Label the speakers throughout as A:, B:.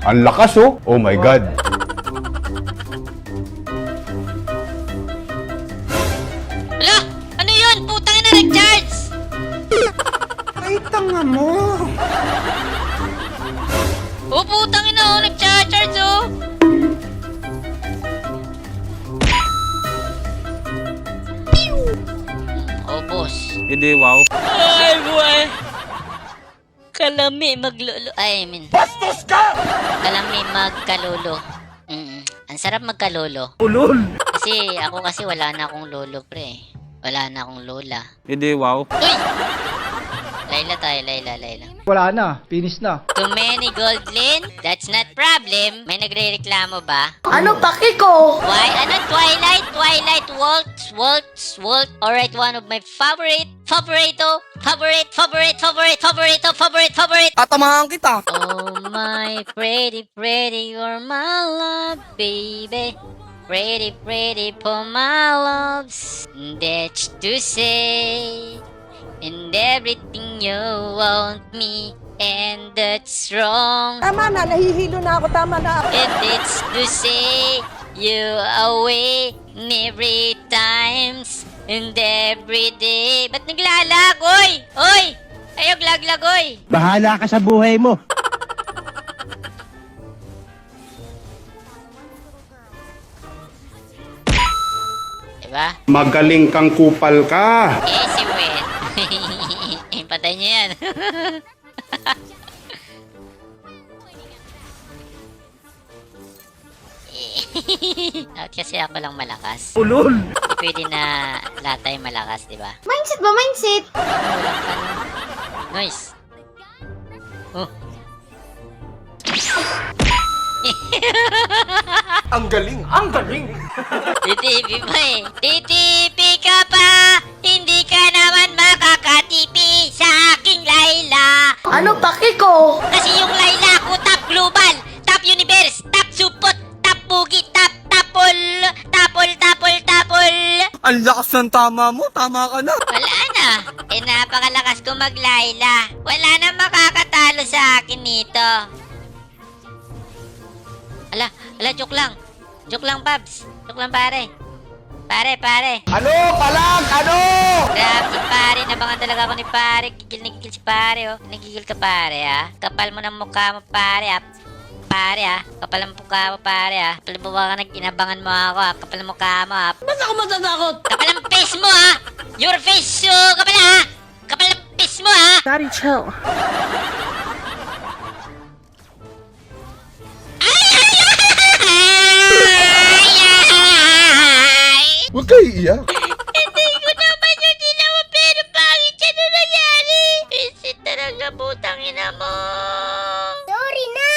A: Ang lakas oh. Oh my God.
B: Ala! Ano yun? Putang ina, nag-charge!
C: Ay, tanga mo!
B: Oh, putang ina, oh, nag-charge, oh! Oh, boss.
D: Hindi, wow.
B: Ay, buhay! Kalami maglolo. Ay, I mean. Bastos ka! Kalami magkalolo. Ang sarap magkalolo.
D: Ulol!
B: Kasi ako wala na akong lolo, pre. Wala na akong lola.
D: Hindi, wow.
B: Uy! Layla tayo, Layla.
C: Wala na, finish na.
B: Too many gold lane? That's not problem. May nagre-reklamo ba?
E: Ano paki ko?
B: Why? Ano? Twilight, Waltz. Alright, one of my favorite.
D: Tatamahan kita!
B: Oh my pretty, you're my love, baby. Pretty for my loves. That's to say. And everything you want me, and that's wrong.
E: Tama na, nahihilo na ako. Tama na.
B: And it's to say you away every times and every day. Ba't naglalag, oy? Oy! Ayog laglag, oy!
F: Bahala ka sa buhay mo.
B: Diba?
G: Magaling kang kupal ka.
B: Eh, si Wen. Patay niya yan. At kasi ako lang malakas.
D: Ulol!
B: Hindi pwede na lahat tayo malakas, di ba?
E: Mindset ba? Mindset?
B: Walang ka Nice. Oh.
C: Ang galing! Ang galing!
B: TTP pa eh. TTP ka pa! Hindi ka naman makakatipi sa aking Layla.
E: Ano paki ko?
B: Kasi yung Layla ko top global, top universe, top support, top bugi, top tapol.
D: Ang lakas ng tama mo, tama ka na.
B: Wala na. Eh, napakalakas ko mag-Layla. Wala na makakatalo sa akin nito. Ala, joke lang. Joke lang, Pabs. Joke lang, pare. Pare.
C: Ano? Palag! Ano?
B: Grabe si pare, nabangan talaga ako ni pare. Gigil na gigil si pare, oh. Nagigil ka, pare, ha? Kapal mo ng mukha mo, pare, ha? Pare, ha? Kapal ang mukha mo, pare, ha? Kapal mo ba ka inabangan mo ako, ha? Kapal ang mukha mo, ha?
E: Ba't ako matatakot?
B: Kapal ang face mo, ha? Your face, kapal, ha? Kapal ang face mo, ha?
E: Daddy, chill.
G: Huwag kayo iiyak.
B: Hindi ko naman yung ginawa, pero pangit siya na nangyari. Visit talaga, putang ina mo.
E: Sorry na!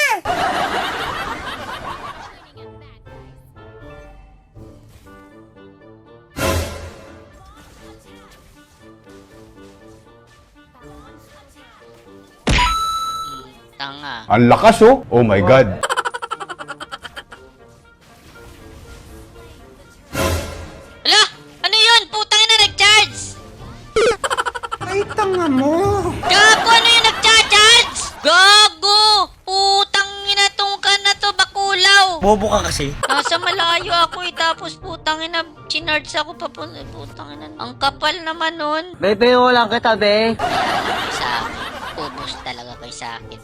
B: Tanga.
A: Ang lakas oh. Oh my God.
B: Ala! Ano yun? Putang ina, nag-charge!
C: Ay, tanga mo!
B: Gago! Ano yung nag-charge? Gago! Putang ina, tong ka na to, bakulaw!
D: Bobo ka kasi.
B: Nasa malayo ako eh, tapos putang ina, chinarge ako papunta. Putang ina, ang kapal naman nun.
F: Bebe, wala kita, be.
B: Kaya kayo sa akin. Ubus talaga kayo sa akin.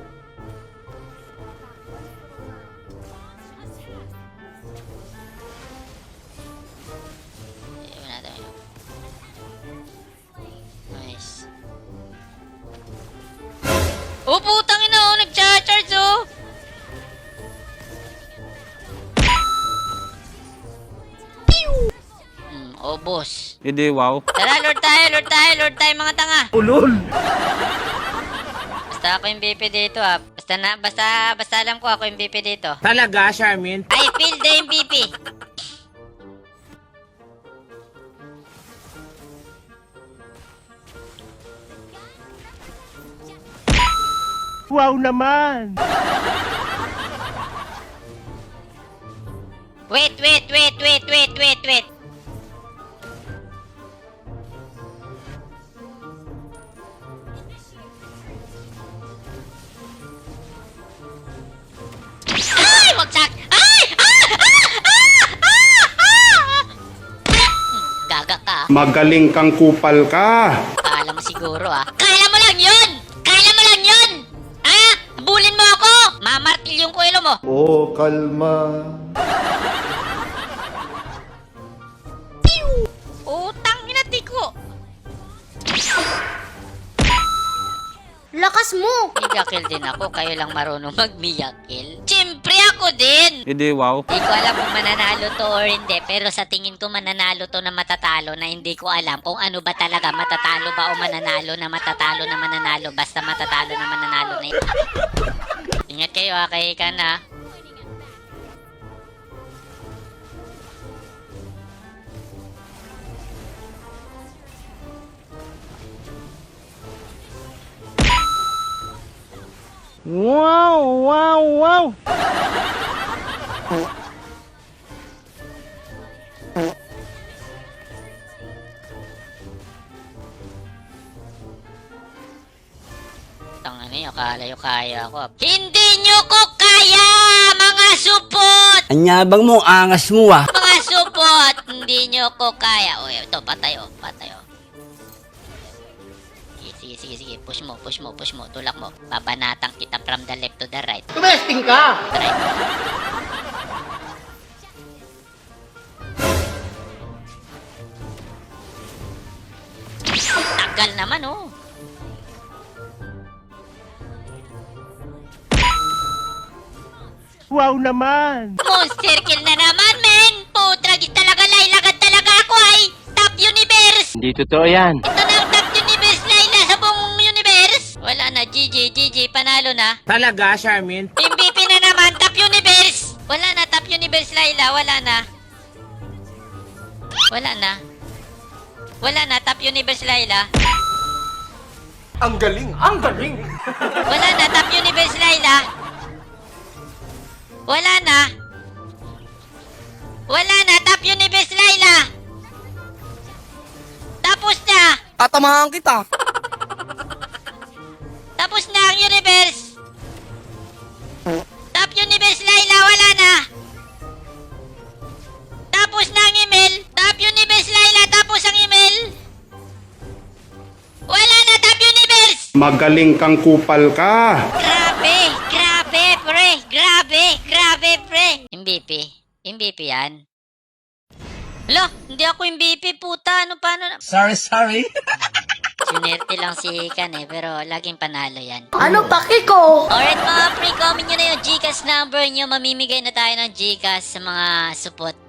B: Ayun natin. Nice. Oh, putang ina, oh, nag-charge, oh. Oh, boss.
D: Hindi, wow.
B: Tara, Lord tayo, mga tanga.
D: Ulol!
B: Basta ako yung BP dito, ah. Basta alam ko ako yung BP dito.
F: Talaga, Charmin?
B: I feel the MVP.
F: Wow naman!
B: Wait.
G: Magaling kang kupal ka.
B: Kala mo siguro Kala mo lang yun! Kala mo lang yun! Ha? Habulin mo ako! Mamartil yung kuwelo mo!
G: Oh, kalma.
B: Utang inati ko!
E: Lakas mo!
B: Miyakil din ako, kayo lang marunong mag-miyakil. Siyempre ako din!
D: Hindi, wow.
B: Hindi ko alam kung mananalo to or hindi, pero sa tingin ko mananalo to na matatalo na hindi ko alam kung ano ba talaga, matatalo ba o mananalo na matatalo na mananalo, basta matatalo na mananalo na yun. Ingat kayo kay Ikan
F: Wow, wow, wow.
B: Tanga niyo, akala yung kaya ako. Hindi nyo ko kaya, mga supot!
F: Anyabang mo, angas mo
B: Mga supot! Hindi nyo ko kaya. Uy, ito, patay. Sige. Push mo. Tulak mo. Babanatang kita from the left to the right.
C: Tumesting ka!
B: Right. Tagal naman,
F: Wow naman.
B: Monster kill na naman, men! Putragis talaga, lailagad talaga ako, ay! Top Universe!
F: Hindi totoo yan.
B: Ito na ang Top Universe, Laila, sa buong universe! Wala na, GG, panalo na.
F: Talaga, Charmin?
B: MVP na naman, Top Universe! Wala na, Top Universe, Laila, wala na. Wala na, Top Universe, Laila.
C: Ang galing! Ang galing!
B: Wala na, Top Universe, Laila. Wala na, Top Universe, Laila. Tapos na!
D: Tatamahan kita.
B: Tapos na ang universe! Top Universe, Laila, wala na! Tapos na ang email! Top Universe, Laila, tapos ang email! Wala na, Top Universe!
G: Magaling kang kupal ka.
B: Grabe, pre! MVP yan. Hala, hindi ako MVP, puta! Paano na?
F: Sorry.
B: Sunerte lang si Ikan pero laging panalo yan.
E: Ano paki ko?
B: Alright mga pre, comment nyo na yung Gcash number nyo. Mamimigay na tayo ng Gcash sa mga support